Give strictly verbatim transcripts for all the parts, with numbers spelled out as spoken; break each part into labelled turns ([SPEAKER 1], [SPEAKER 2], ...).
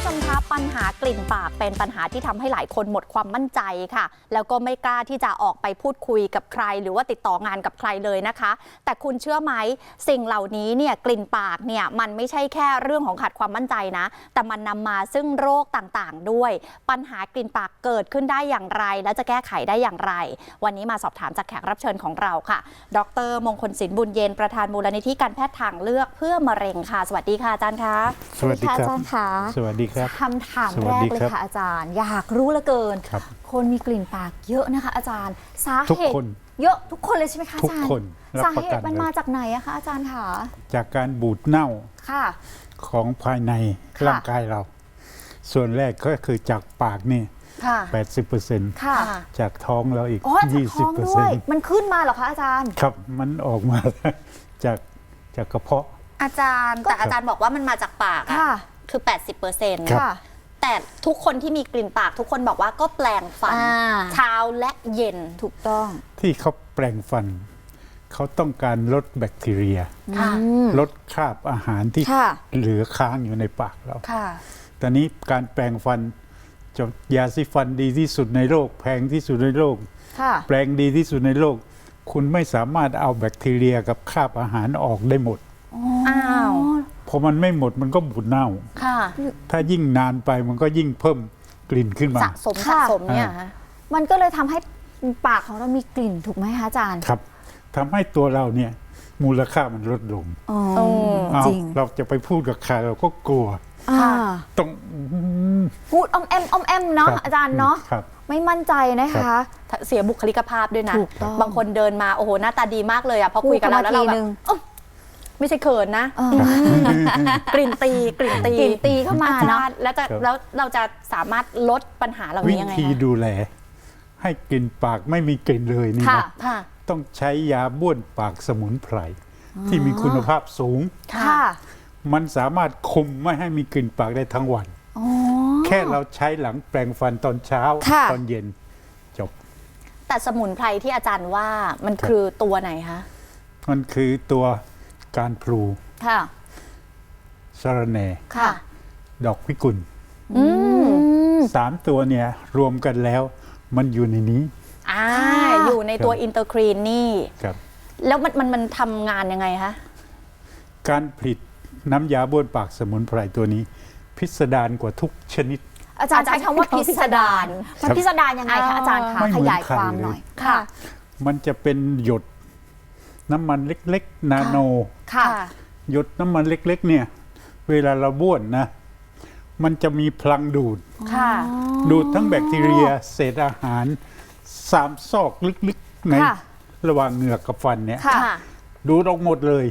[SPEAKER 1] ชมคะปัญหากลิ่นปากเป็นปัญหาที่ทำให้หลายคนหมดความมั่นใจค่ะแล้วก็ไม่กล้าที่จะออกไปพูดคุยกับใครหรือว่าติดต่องานกับใครเลยนะคะแต่คุณเชื่อไหมสิ่งเหล่านี้เนี่ยกลิ่นปากเนี่ยมันไม่ใช่แค่เรื่องของขาดความมั่นใจนะแต่มันนำมาซึ่งโรคต่างๆด้วยปัญหากลิ่นปากเกิดขึ้นได้อย่างไรและจะแก้ไขได้อย่างไรวันนี้มาสอบถามจากแขกรับเชิญของเราค่ะดร.มงคลศิลป์บุญเย็นประธานมูลนิธิการแพทย์ทางเลือกเพื่อมะเร็งค่ะสวัสดีค่ะอาจารย์คะ
[SPEAKER 2] สวัสดีครับอาจารย์
[SPEAKER 3] ค่ะ
[SPEAKER 2] สวัสดีครับ
[SPEAKER 3] คำถามแรกเลยค่ะอาจารย์อยากรู้เหลือเกินคนมีกลิ่นปากเยอะนะคะอาจารย์สาเหตุเยอะทุกคนเลยใช่ไหมคะอาจารย์
[SPEAKER 2] ทุกคน
[SPEAKER 3] สาเหตุมันมาจากไหนอะคะอาจารย์คะ
[SPEAKER 2] จากการบูดเน่าของภายในร่างกายเราส่วนแรกก็คือจากปากนี่แปดสิบเปอร์เซ็นต์จากท้องเราอีกยี่สิบเปอร์เซ็นต์
[SPEAKER 3] มันขึ้นมาเหรอคะอาจารย์
[SPEAKER 2] ครับมันออกมาจากจากกระเพาะ
[SPEAKER 1] อาจารย์แต่อาจารย์บอกว่ามันมาจากปากอะคือ แปดสิบเปอร์เซ็นต์
[SPEAKER 2] ค่ะ
[SPEAKER 1] แต่ทุกคนที่มีกลิ่นปากทุกคนบอกว่าก็แปลงฟันเช้าและเย็น
[SPEAKER 3] ถูกต้อง
[SPEAKER 2] ที่เขาแปลงฟันเขาต้องการลดแบคทีเรียลดคราบอาหารที่เหลือค้างอยู่ในปากเราตอนนี้การแปลงฟันจะยาสีฟันดีที่สุดในโลกแพงที่สุดในโลกแปลงดีที่สุดในโลกคุณไม่สามารถเอาแบคทีเรียกับคราบอาหารออกได้หมด
[SPEAKER 1] อ้าว
[SPEAKER 2] พอมันไม่หมดมันก็บูดเน่าถ้ายิ่งนานไปมันก็ยิ่งเพิ่มกลิ่นขึ้นมา
[SPEAKER 1] สะสมสะสมเนี่ย
[SPEAKER 3] มันก็เลยทำให้ปากของเรามีกลิ่นถูกไหมคะอาจารย์
[SPEAKER 2] ครับทำให้ตัวเราเนี่ยมูลค่ามันลดลงจริงเราจะไปพูดกับใครเราก็กลัวต้อง
[SPEAKER 3] พูดอ้อมแอมอ้อมแอมเนาะอาจารย์เนาะไม่มั่นใจนะคะ
[SPEAKER 1] เสียบุคลิกภาพด้วยนะบางคนเดินมาโอ้โหหน้าตาดีมากเลยอะพอคุยกับเราแล้วเราแบบไม่ใช่เขินนะกลิ่นตีกลิ่นตี
[SPEAKER 3] กลิ่นตีเข้ามาเนาะ
[SPEAKER 1] แล้วจะแล้วเราจะสามารถลดปัญหาเหล่านี้ยังไง
[SPEAKER 2] วิธีดูแลให้กลิ่นปากไม่มีกลิ่นเลยนี่นะต้องใช้ยาบ้วนปากสมุนไพรที่มีคุณภาพสูงมันสามารถคุมไม่ให้มีกลิ่นปากได้ทั้งวันแค่เราใช้หลังแปรงฟันตอนเช้าตอนเย็นจบ
[SPEAKER 1] แต่สมุนไพรที่อาจารย์ว่ามันคือตัวไหนคะ
[SPEAKER 2] มันคือตัวการพลูสะระแหน่ดอกพิกุลสามตัวเนี่ยรวมกันแล้วมันอยู่ในนี้
[SPEAKER 1] อ่าอยู่ในตัวอินเตอร์ครีนนี่
[SPEAKER 2] ครับ
[SPEAKER 1] แล้วมันมันมันทำงานยังไงคะ
[SPEAKER 2] การผลิตน้ำยาบ้วนปากสมุนไพรตัวนี้พิสดารกว่าทุกชนิด
[SPEAKER 3] อาจารย์ใช้คำว่าพิสดารมันพิสดารยังไงคะอาจารย์คะขยายความหน่อยค่ะ
[SPEAKER 2] มันจะเป็นหยดน้ำมันเล็กๆนาโนหยดน้ำมันเล็กๆเนี่ยเวลาเราบ้วนนะมันจะมีพลังดูดดูดทั้งแบคทีเรียเศษอาหารสามซอกลึกๆในระหว่างเหงือกกับฟันเนี่ยดูดออกหมดเลย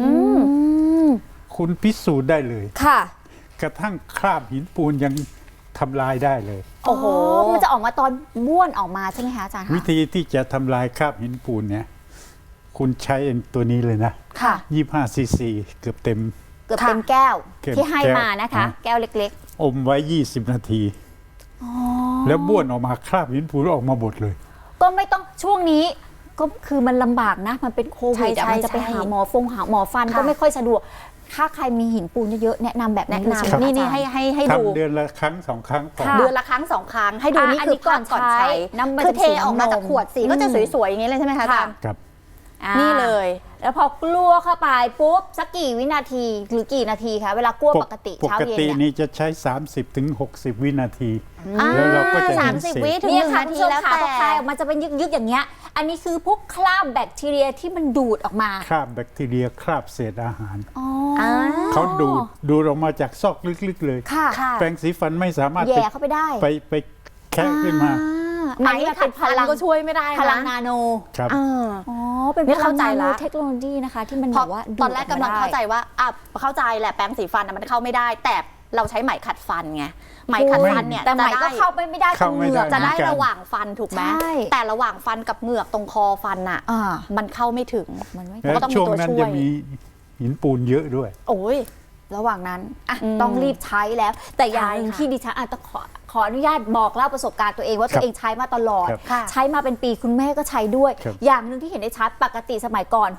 [SPEAKER 2] คุณพิสูจน์ได้เลยกระทั่งคราบหินปูนยังทำลายได้เลย
[SPEAKER 3] โอ้โหมันจะออกมาตอนบ้วนออกมาใช่ไหมคะอาจารย์
[SPEAKER 2] วิธีที่จะทำลายคราบหินปูนเนี่ยคุณใช้ตัวนี้เลยนะยี่สิบห้าซีซีเกือบเต็ม
[SPEAKER 3] เกือบเต็มแก้วที่ให้มานะคะแก้วเล็ก
[SPEAKER 2] ๆอมไว้ยี่สิบนาทีแล้วบ้วนออกมาคราบหินปูนออกมาหมดเลย
[SPEAKER 3] ก็ไม่ต้องช่วงนี้ก็คือมันลำบากนะมันเป็นโควิดมันจะไปหาหมอฟงหาหมอฟันก็ไม่ค่อยสะดวกถ้าใครมีหินปูนเยอะๆแนะนำแบบนี้เลย
[SPEAKER 1] นี่นี่ให้ให้ให้ดู
[SPEAKER 2] เดือนละครั้งสองครั้ง
[SPEAKER 1] เดือนละครั้งสองครั้งให้ดูนี่คือก่อนก่อนใช้คือเทออกมาจากขวดสีก็จะสวยๆอย่างนี้เลยใช่ไหมคะอาจารย์
[SPEAKER 2] ครับ
[SPEAKER 1] นี่เลย
[SPEAKER 3] แล้วพอกลัวเข้าไปปุ๊บสักกี่วินาทีหรือกี่นาทีคะเวลากลัวปกติ
[SPEAKER 2] เช้าเย็นปกตินี่จะใช้สามสิบถึงหกสิบวินาทีแล้วเราก็จะเห็นเศษ
[SPEAKER 3] นี่ค่ะที่แล้วแต่พอคลายออกมาจะเป็นยึกๆอย่างเงี้ยอันนี้คือพวกคราบแบคทีเรียที่มันดูดออกมา
[SPEAKER 2] คราบแบคทีเรียคราบเศษอาหารเขาดูดดูดออกมาจากซอกลึกๆเลยแปรงสีฟันไม่สามารถ
[SPEAKER 3] แย่เข้าไปได้
[SPEAKER 2] ไปไปแคะขึ้นมา
[SPEAKER 1] อันนี้เป็นพลังก็ช่วยไม่ได้
[SPEAKER 3] พลังนาโน
[SPEAKER 2] ครับ
[SPEAKER 3] อ๋อเป็นพลังนาโนเทคโนโลยีนะคะที่มันบอกว่า
[SPEAKER 1] ตอนแรกกำลังเข้าใจว่าอ่ะเข้าใจแหละแปรงสีฟันมันเข้าไม่ได้แต่เราใช้ไหมขัดฟันไงไหมขัดฟันเนี่ย
[SPEAKER 3] แต่ไหมก็เข้าไปไม่ได้ตรงเหงือก
[SPEAKER 1] จะได้ระหว่างฟันถูกไหมแต่ระหว่างฟันกับเหงือกตรงคอฟันอ่ะมันเข้าไม่ถึง
[SPEAKER 2] มันก็ต้องมีตัวช่วยช่วงนั้นจะมีหินปูนเยอะด้วย
[SPEAKER 1] โอ้ย
[SPEAKER 3] ระหว่างนั้นต้องรีบใช้แล้วแต่อย่างหนึ่งที่ดิฉันอาจจะขอขออนุญาตบอกเล่าประสบการณ์ตัวเองว่าตัวเองใช้มาตลอดใช้มาเป็นปีคุณแม่ก็ใช้ด้วยอย่างหนึ่งที่เห็นได้ชัดปกติสมัยก่อนหก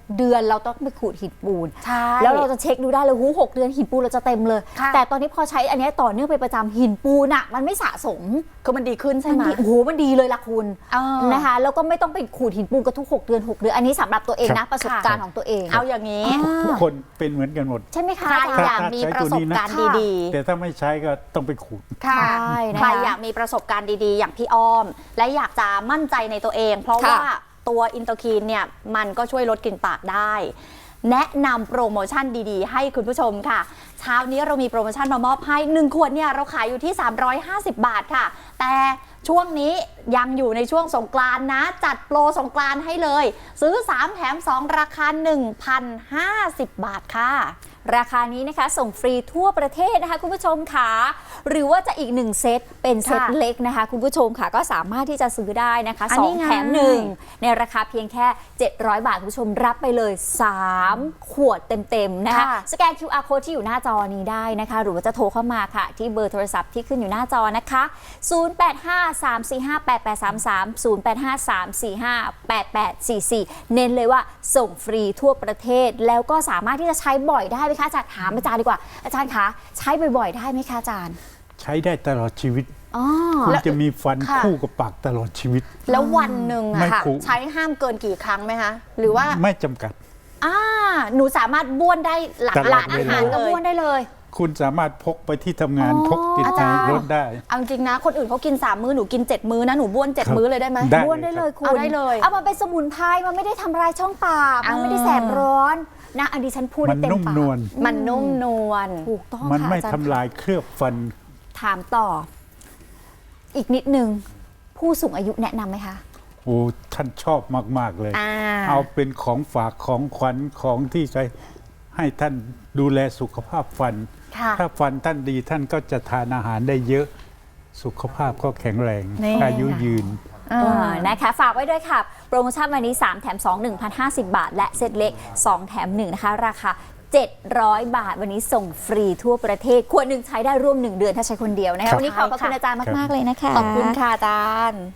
[SPEAKER 3] เดือนเราต้องไปขูดหินปูน
[SPEAKER 1] ใช่
[SPEAKER 3] แล้วเราจะเช็คดูได้เลยหูหกเดือนหินปูนเราจะเต็มเลย
[SPEAKER 1] ค่ะ
[SPEAKER 3] แต่ตอนนี้พอใช้อันเนี้ยต่อเนื่องไปประจำหินปูนอะมันไม่สะสม
[SPEAKER 1] คือมันดีขึ้นใช่ไหม
[SPEAKER 3] นดีโอ้โหมันดีเลยล่ะคุณ
[SPEAKER 1] เออ
[SPEAKER 3] นะคะแล้วก็ไม่ต้องไปขูดหินปูนกันทุกหกเดือนหกเดือนอันนี้สำหรับตัวเอง
[SPEAKER 2] ครั
[SPEAKER 3] นะ
[SPEAKER 2] บ
[SPEAKER 3] ประสบการณ์ของตัวเอง
[SPEAKER 1] เอาอย่างนี้
[SPEAKER 3] อ่า
[SPEAKER 2] ทุกคนเป็นเหมือนกันหมด
[SPEAKER 3] ใช่ไหมคะ
[SPEAKER 1] ใคร
[SPEAKER 3] อาจารย์
[SPEAKER 1] อยากมีประสบการณ์
[SPEAKER 2] ใช้ตัวนี้นะ
[SPEAKER 1] ดี
[SPEAKER 2] แต่ถ้าไม่ใช้ก็ต้องไปขูด
[SPEAKER 1] ๆ ค่ะ
[SPEAKER 3] ใช่นะคะ
[SPEAKER 1] ใครอยากมีประสบการณ์ดีๆ อย่างพี่อ้อม และอยากจะมั่นใจในตัวเอง เพราะ
[SPEAKER 3] ค่ะ
[SPEAKER 1] ว่าตัวอินเตอร์คีนเนี่ยมันก็ช่วยลดกลิ่นปากได้ แนะนำโปรโมชั่นดีๆ ให้คุณผู้ชมค่ะ เช้านี้เรามีโปรโมชั่นมามอบให้หนึ่งขวดเนี่ยเราขายอยู่ที่ สามร้อยห้าสิบบาทค่ะ แต่ช่วงนี้ยังอยู่ในช่วงสงกรานต์นะ จัดโปรสงกรานต์ให้เลย ซื้อสามแถมสองราคา หนึ่งพันห้าสิบ บาทค่ะ
[SPEAKER 3] ราคานี้นะคะส่งฟรีทั่วประเทศนะคะคุณผู้ชมค่ะหรือว่าจะอีกหนึ่งเซตเป็นเซต
[SPEAKER 1] ค่ะ
[SPEAKER 3] เล็กนะคะคุณผู้ชมค่ะก็สามารถที่จะซื้อได้นะคะ
[SPEAKER 1] อัน
[SPEAKER 3] สอ
[SPEAKER 1] นี้
[SPEAKER 3] ง
[SPEAKER 1] ไง
[SPEAKER 3] แถมหนึ่งในราคาเพียงแค่เจ็ดร้อยบาทคุณผู้ชมรับไปเลยสามขวดเต็มๆนะคะ
[SPEAKER 1] ค่ะ
[SPEAKER 3] สแกน คิว อาร์ code ที่อยู่หน้าจอนี้ได้นะคะหรือว่าจะโทรเข้ามาค่ะที่เบอร์โทรศัพท์ที่ขึ้นอยู่หน้าจอนะคะศูนย์ แปด ห้า สาม สี่ ห้า แปด แปด สาม สาม ศูนย์ แปด ห้า สาม สี่ ห้า แปด แปด สี่ สี่เน้นเลยว่าส่งฟรีทั่วประเทศแล้วก็สามารถที่จะใช้บ่อยได้ไหมคะอาจารย์ถามอาจารย์ดีกว่าอาจารย์คะใช้บ่อยๆได้ไหมคะอาจารย์
[SPEAKER 2] ใช้ได้ตลอดชีวิต
[SPEAKER 3] อ๋อ
[SPEAKER 2] คุณจะมีฟัน
[SPEAKER 1] ค่ะ
[SPEAKER 2] คู่กับปากตลอดชีวิต
[SPEAKER 1] แล้ววันหนึ่ง
[SPEAKER 2] ไม่
[SPEAKER 1] อะค่ะ
[SPEAKER 2] คุ้ม
[SPEAKER 1] ใช้ห้ามเกินกี่ครั้งไหมคะ หรือว่า
[SPEAKER 2] ไม่จำกัด
[SPEAKER 1] อ่าหนูสามารถบ้วนได้หลาก
[SPEAKER 2] ตลอด
[SPEAKER 1] หลายอาหาร
[SPEAKER 3] ก็
[SPEAKER 1] เลย
[SPEAKER 3] บ้วนได้เลย
[SPEAKER 2] คุณสามารถพกไปที่ทำงาน
[SPEAKER 3] อ๋อ
[SPEAKER 2] พกติด
[SPEAKER 1] อา
[SPEAKER 2] ใน
[SPEAKER 1] จารย์
[SPEAKER 2] รถได้
[SPEAKER 1] เอาจริงนะ คนอื่นเขากินสามมื้อหนูกินเจ็ดมื้อนะหนูบ้วนเจ็ด
[SPEAKER 2] ครับ
[SPEAKER 1] มื้อเลยได้ไหม
[SPEAKER 2] ได้
[SPEAKER 3] บ้วนได้เลยคุณ
[SPEAKER 1] เอาได้เลย
[SPEAKER 3] เอามาเป็นสมุนไพรมันไม่ได้ทำลายช่องปากมันไม่ได้แสบร้อนนะอันนี้ฉันพูด
[SPEAKER 2] มั
[SPEAKER 3] ได้
[SPEAKER 2] น
[SPEAKER 3] เต็ม
[SPEAKER 2] นุ่ม
[SPEAKER 3] ปาก
[SPEAKER 2] นวล
[SPEAKER 1] มันนุ่มนวล
[SPEAKER 3] ถูกต้อง
[SPEAKER 2] มัน
[SPEAKER 3] ค่ะ
[SPEAKER 2] ไม่
[SPEAKER 3] อาจาร
[SPEAKER 2] ทำลายเคลือบฟัน
[SPEAKER 3] ถามต่อ อีกนิดนึงผู้สูงอายุแนะนำไหมคะ
[SPEAKER 2] โอ้ท่านชอบมาก ๆ เลย
[SPEAKER 1] อ่า
[SPEAKER 2] เอาเป็นของฝากของขวัญของที่ใครให้ท่านดูแลสุขภาพฟัน
[SPEAKER 1] ค่ะ
[SPEAKER 2] ถ้าฟันท่านดีท่านก็จะทานอาหารได้เยอะ สุขภาพก็แข็งแรง
[SPEAKER 1] นี่
[SPEAKER 2] อายุยืน
[SPEAKER 1] อ่า
[SPEAKER 3] เออนะคะฝากไว้ด้วยค่ะ โปรโมชั่นวันนี้ สาม แถม สอง หนึ่งพันห้าสิบ บาท และเซตเล็ก สอง แถม หนึ่งนะคะราคาเจ็ดร้อยบาทวันนี้ส่งฟรีทั่วประเทศขวดหนึ่งใช้ได้ร่วมหนึ่งเดือนถ้าใช้คนเดียวนะ
[SPEAKER 2] ครั
[SPEAKER 3] คะ
[SPEAKER 2] บ
[SPEAKER 3] วันนี้ขอบพระคุณอาจารย์มากๆเลยนะคะ
[SPEAKER 1] ขอบคุณค่ะอาจารย์